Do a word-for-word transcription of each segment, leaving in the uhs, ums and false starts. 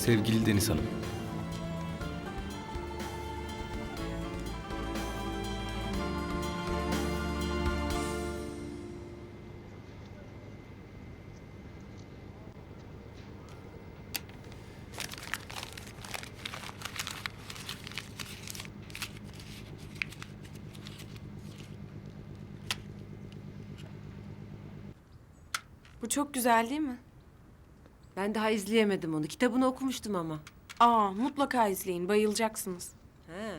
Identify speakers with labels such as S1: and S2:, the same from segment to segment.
S1: Sevgili Deniz Hanım.
S2: Bu çok güzel değil mi?
S3: Ben daha izleyemedim onu. Kitabını okumuştum ama.
S2: Aa, mutlaka izleyin. Bayılacaksınız.
S3: He.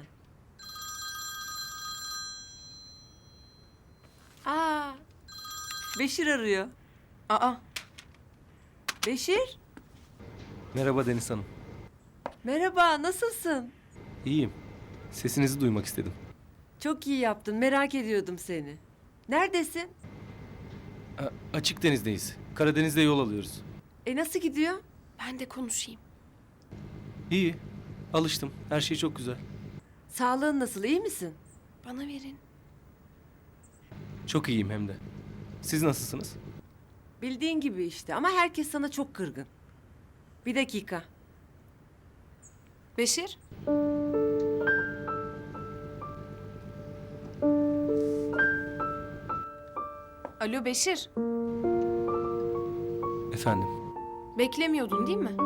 S3: Aa, Beşir arıyor.
S2: Aa,
S3: Beşir,
S1: Merhaba Deniz Hanım.
S3: merhaba, nasılsın?
S1: İyiyim. Sesinizi duymak istedim.
S3: Çok iyi yaptın, merak ediyordum seni. Neredesin?
S1: A- açık denizdeyiz. Karadeniz'de yol alıyoruz.
S3: E nasıl gidiyor?
S2: ben de konuşayım.
S1: İyi. Alıştım. Her şey çok güzel.
S3: Sağlığın nasıl, iyi misin?
S2: Bana verin.
S1: Çok iyiyim hem de. Siz nasılsınız?
S3: Bildiğin gibi işte ama herkes sana çok kırgın. Bir dakika.
S2: Beşir? Alo Beşir.
S1: Efendim.
S2: Beklemiyordun değil mi?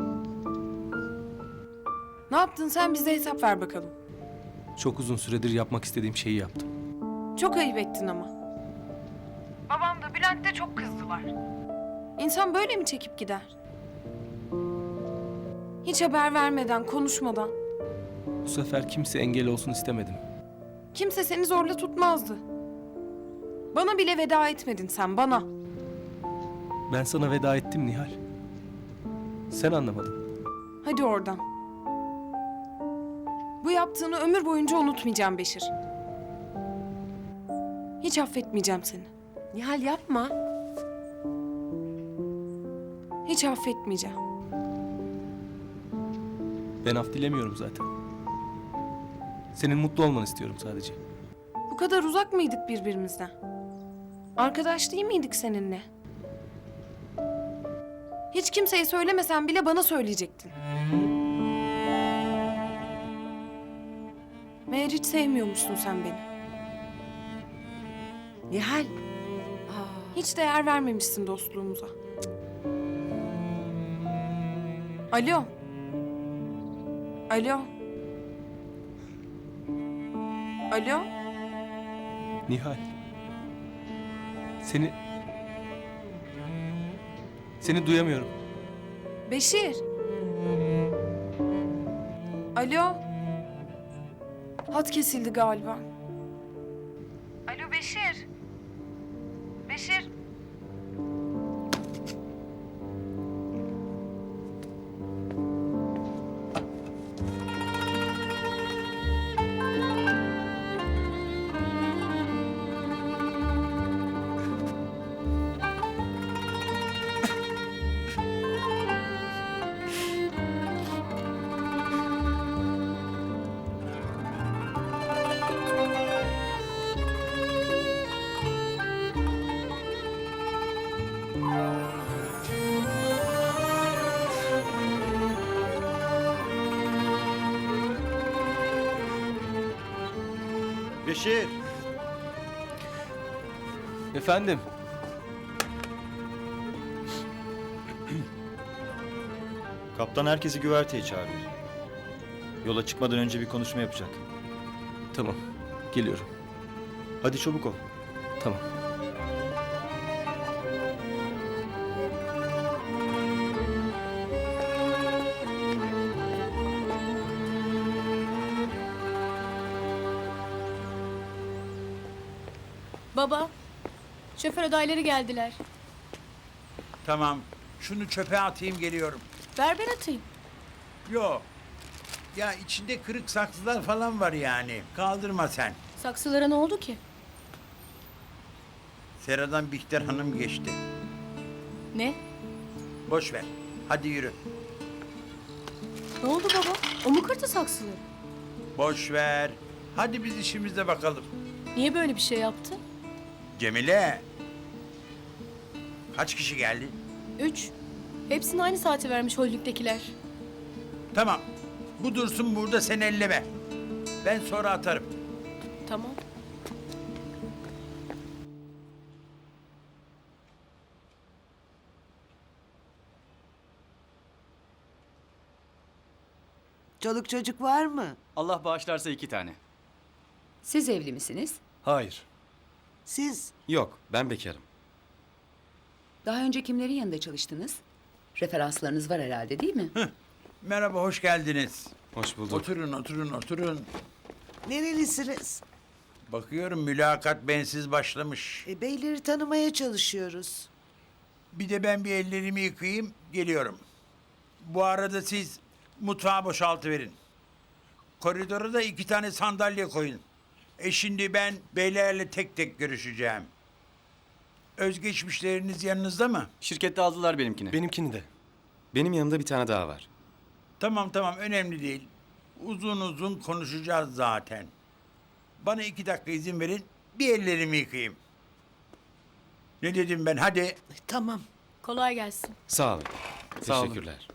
S2: Ne yaptın sen, bize hesap ver bakalım.
S1: Çok uzun süredir yapmak istediğim şeyi yaptım.
S2: Çok ayıp ettin ama. Babam da Bülent de çok kızdılar. İnsan böyle mi çekip gider? Hiç haber vermeden, konuşmadan.
S1: Bu sefer kimse engel olsun istemedim.
S2: Kimse seni zorla tutmazdı. Bana bile veda etmedin sen, bana.
S1: Ben sana veda ettim Nihal. Sen anlamadın.
S2: Hadi oradan. Bu yaptığını ömür boyunca unutmayacağım Beşir. Hiç affetmeyeceğim seni.
S3: Nihal yapma.
S2: Hiç affetmeyeceğim.
S1: Ben af dilemiyorum zaten. Senin mutlu olmanı istiyorum sadece.
S2: Bu kadar uzak mıydık birbirimizden? Arkadaş değil miydik seninle? Hiç kimseye söylemesen bile bana söyleyecektin. Meğer hiç sevmiyormuşsun sen beni.
S3: Nihal. Aa,
S2: Hiç değer vermemişsin dostluğumuza. Alo. Alo. Alo.
S1: Nihal. Seni... Seni duyamıyorum.
S2: Beşir. Alo. Hat kesildi galiba. Alo Beşir. Beşir.
S4: Beşir,
S1: Efendim.
S4: kaptan herkesi güverteye çağırıyor. Yola çıkmadan önce bir konuşma yapacak.
S1: Tamam. Geliyorum.
S4: Hadi çabuk ol.
S1: Tamam.
S5: Baba, şoför adayları geldiler.
S6: Tamam. Şunu çöpe atayım geliyorum.
S5: Ver ben atayım.
S6: Yo. Ya içinde kırık saksılar falan var yani. Kaldırma sen.
S5: Saksılara ne oldu ki?
S6: Seradan Bihter Hanım geçti.
S5: Ne?
S6: Boş ver. Hadi yürü.
S5: Ne oldu baba? O mu kırdı saksıları?
S6: Boş ver. Hadi biz işimize bakalım.
S5: Niye böyle bir şey yaptı?
S6: Cemile. Kaç kişi geldi?
S5: Üç. Hepsini aynı saate vermiş holdingdekiler.
S6: Tamam. Bu dursun burada, sen elleme. Ben sonra atarım.
S5: Tamam.
S7: Çoluk çocuk var mı?
S8: Allah bağışlarsa iki tane.
S9: Siz evli misiniz?
S8: Hayır.
S7: Siz?
S8: Yok, ben bekarım.
S9: Daha önce kimlerin yanında çalıştınız? Referanslarınız var herhalde değil mi?
S6: Merhaba, hoş geldiniz.
S8: Hoş bulduk.
S6: Oturun, oturun, oturun.
S7: Nerelisiniz?
S6: Bakıyorum mülakat bensiz başlamış.
S7: E, beyleri tanımaya çalışıyoruz.
S6: Bir de ben bir ellerimi yıkayayım, geliyorum. Bu arada siz mutfağı boşaltıverin. Koridora da iki tane sandalye koyun. E şimdi ben beylerle tek tek görüşeceğim. Özgeçmişleriniz yanınızda mı?
S8: Şirkette aldılar benimkini.
S1: Benimkini de.
S8: Benim yanımda bir tane daha var.
S6: Tamam tamam, önemli değil. Uzun uzun konuşacağız zaten. Bana iki dakika izin verin, bir ellerimi yıkayayım. Ne dedim ben, hadi.
S7: E, tamam.
S5: Kolay gelsin.
S8: Sağ olun.
S1: Sağ olun.
S8: Teşekkürler.